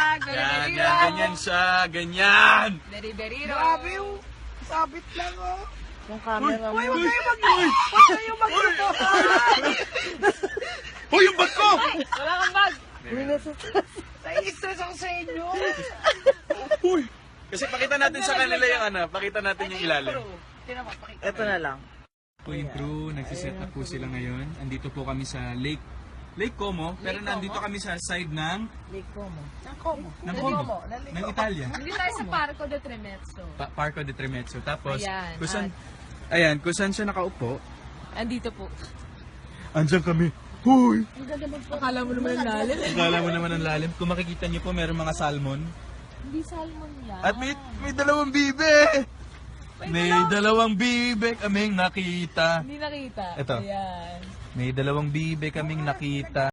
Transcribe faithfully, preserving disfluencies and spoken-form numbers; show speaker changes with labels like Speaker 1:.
Speaker 1: Yan, yan, ganyan siya, ganyan.
Speaker 2: Deriberiro.
Speaker 3: Grabe yung sabit lang, oh.
Speaker 4: Yung camera mo.
Speaker 3: Uy, huwag kayo mag- Huwag kayo mag-luto.
Speaker 1: Hoy, yung bag ko!
Speaker 2: Wala kang bag.
Speaker 4: Hindi na sa
Speaker 3: Nai-stress ako sa inyo.
Speaker 1: Uy! Kasi pakita natin sa kanila yung ano, pakita natin yung ilalim.
Speaker 4: Ito na lang.
Speaker 1: Po yung crew, nagsiset up po sila ngayon. Andito po kami sa Lake Lake Como, pero nandito kami sa side ng
Speaker 4: Lake Como.
Speaker 3: Ang Como.
Speaker 1: ng Como, ng Italia.
Speaker 2: Hindi tayo sa Parco de Tremezzo.
Speaker 1: Pa- Parco de Tremezzo. Tapos,
Speaker 2: Ayan,
Speaker 1: kung saan, ayan, kung saan siya nakaupo,
Speaker 2: Andito po.
Speaker 1: andyan kami. Huy!
Speaker 2: Akala mo naman ang lalim.
Speaker 1: Akala mo naman ang lalim. Kung makikita niyo po, meron mga salmon.
Speaker 2: Hindi salmon yan.
Speaker 1: At may, may dalawang bibe! May dalawang bibe kaming nakita.
Speaker 2: Hindi nakita.
Speaker 1: Ito.
Speaker 2: Ayan.
Speaker 1: May dalawang bibe kaming nakita.